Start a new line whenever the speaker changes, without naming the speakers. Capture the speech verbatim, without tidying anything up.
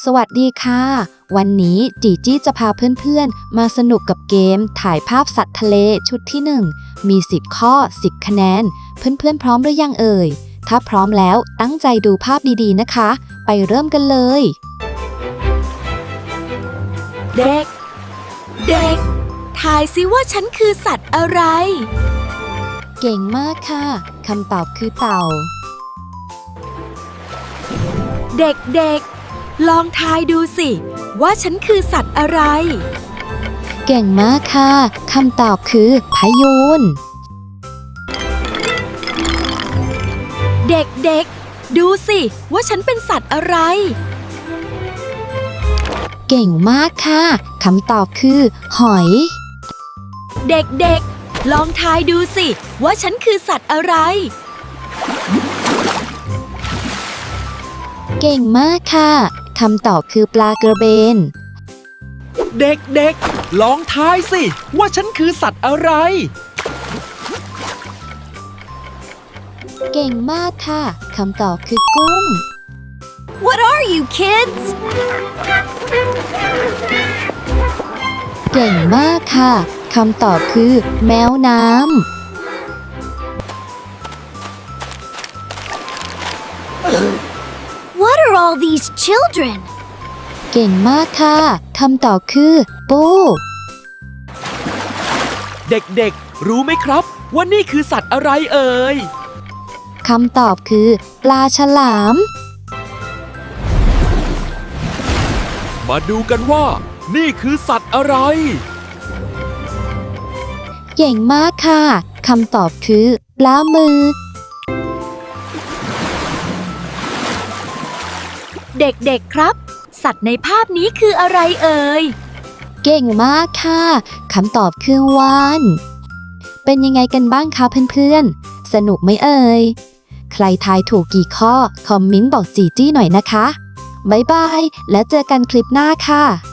สวัสดีค่ะ วันนี้จีจี้จะพาเพื่อนๆมาสนุกกับเกมถ่ายภาพสัตว์ทะเลชุดที่หนึ่งมีสิบข้อสิบคะแนนเพื่อนๆพร้อมหรือยังเอ่ยถ้าพร้อมแล้วตั้งใจดูภาพดีๆนะคะไปเริ่มกันเลย
เด็ก เด็กทายซิว่าฉันคือสัตว์อะไร
เก่งมากค่ะคำตอบคือเต่า
เด็กๆ ลองทายดูสิว่าฉันคือสัตว์อะไร
เก่งมากค่ะคำตอบคือพายุน
เด็กๆ ดูสิว่าฉันเป็นสัตว์อะไร
เก่งมากค่ะคำตอบคือหอย
เด็กๆ ลองทายดูสิว่าฉันคือสัตว์อะไร
เก่งมากค่ะคำตอบคือปลากระเบน
เด็กๆ ลองทายสิว่าฉันคือสัตว์อะไร
เก่งมากค่ะคำตอบคือกุ้ง
What are you kids
เก่งมากค่ะคำตอบคือแมวน้ำ
What are all these children
เก่งมากค่ะคำตอบคือปู
เด็กๆ รู้ไหมครับว่านี่คือสัตว์อะไรเอ่ย
คำตอบคือปลาฉลาม
มาดูกันว่านี่คือสัตว์อะไร
เก่งมากค่ะคำตอบคือปลาหมึก
เด็กๆ ครับ สัตว์ในภาพนี้คืออะไรเอ่ย
เก่งมากค่ะคำตอบคือวาฬเป็นยังไงกันบ้างคะเพื่อนๆสนุกไหมเอ่ยใครทายถูกกี่ข้อคอมเมนต์บอกจีจี้หน่อยนะคะบ๊ายบายแล้วเจอกันคลิปหน้าค่ะ